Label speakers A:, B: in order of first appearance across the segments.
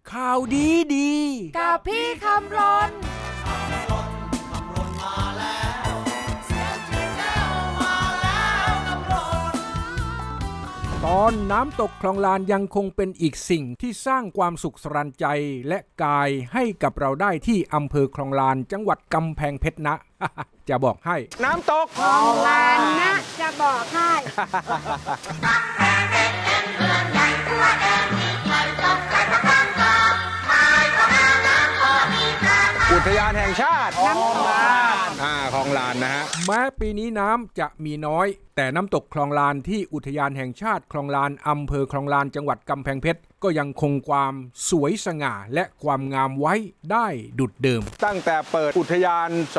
A: ข่าวดีดี
B: กับพี่คำรน
A: ตอนน้ำตกคลองลานยังคงเป็นอีกสิ่งที่สร้างความสุขสรันใจและกายให้กับเราได้ที่อำเภอคลองลานจังหวัดกำแพงเพชรนะ จะบอกให้น้ำตก
B: คลองลานนะจะบอกให้
C: อุทยานแห่งชาติคลองลานคลองลานนะฮะ
A: แม้ปีนี้น้ำจะมีน้อยแต่น้ำตกคลองลานที่อุทยานแห่งชาติคลองลานอำเภอคลองลานจังหวัดกำแพงเพชรก็ยังคงความสวยสง่าและความงามไว้ได้ดุจเดิม
C: ตั้งแต่เปิดอุทยาน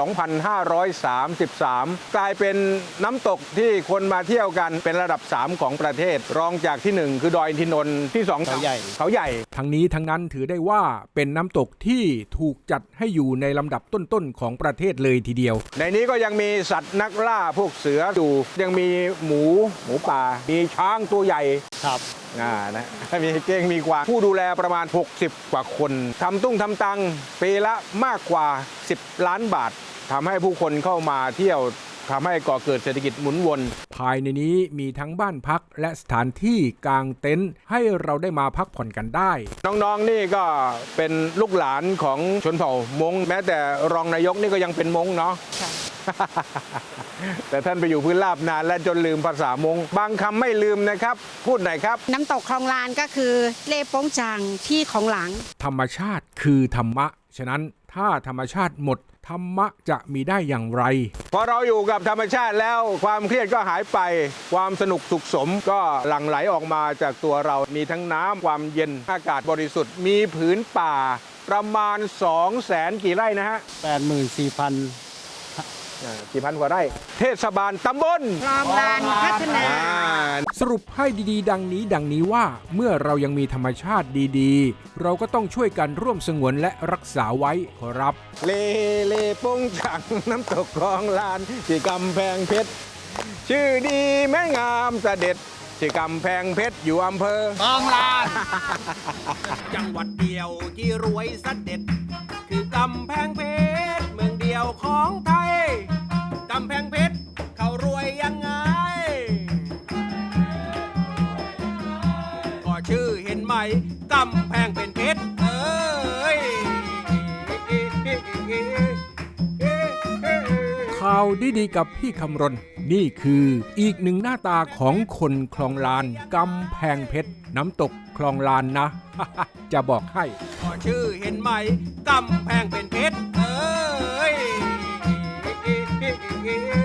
C: 2533 กลายเป็นน้ำตกที่คนมาเที่ยวกันเป็นระดับ 3 ของประเทศรองจากที่ 1 คือดอยอินทนนท์ที่ 2 เขาใหญ่
A: ทั้งนี้ทั้งนั้นถือได้ว่าเป็นน้ำตกที่ถูกจัดให้อยู่ในลำดับต้นๆของประเทศเลยทีเดียว
C: ในนี้ก็ยังมีสัตว์นักล่าพวกเสืออยู่ยังมีหมูป่ามีช้างตัวใหญ่
D: ครับ
C: นะมีเก้งมีกวางผู้ดูแลประมาณ60กว่าคนทำตุ้งทำตังปีละมากกว่า10 ล้านบาททำให้ผู้คนเข้ามาเที่ยวทำให้ก่อเกิดเศรษฐกิจหมุนวน
A: ภายในนี้มีทั้งบ้านพักและสถานที่กางเต็นท์ให้เราได้มาพักผ่อนกันได้
C: น้องๆนี่ก็เป็นลูกหลานของชนเผ่ามงแม้แต่รองนายกนี่ก็ยังเป็นมงเนาะแต่ท่านไปอยู่พื้นราบนานและจนลืมภาษามงบางคำไม่ลืมนะครับพูดหน่อยครับ
B: น้ำตกคลองลานก็คือเล่โป้งจางที่ของหลัง
A: ธรรมชาติคือธรรมะฉะนั้นถ้าธรรมชาติหมดธรรมะจะมีได้อย่างไร
C: พอเราอยู่กับธรรมชาติแล้วความเครียดก็หายไปความสนุกสุขสมก็หลั่งไหลออกมาจากตัวเรามีทั้งน้ำความเย็นอากาศบริสุทธิ์มีผืนป่าประมาณ 200,000 กี่ไร่นะฮะ กี่พันกว่าไร่เทศบาลตำบล
B: คลองลานพัฒนา
A: สรุปให้ดีๆดังนี้ว่าเมื่อเรายังมีธรรมชาติดีๆเราก็ต้องช่วยกันร่วมสงวนและรักษาไว้ขอรับ
C: เลโป้งจังน้ำตกคลองลานที่กำแพงเพชรชื่อดีแม่งามเสด็จที่กำแพงเพชรอยู่อำเภอ
D: คลองลาน
E: จังหวัดเดียวที่รวยเสด็จคือกำแพงเพชรเมืองเดียวของไทยกำแพงเพชรเขารวยยังไงก็ชื่อเห็นไหมกำแพงเป็นเพชร
A: ข่าวดีๆกับพี่คำรณนี่คืออีกหนึ่งหน้าตาของคนคลองลานกำแพงเพชรน้ำตกคลองลานนะ จะบอกให้
E: ก็ชื่อเห็นไหมกำแพงเป็นเพชร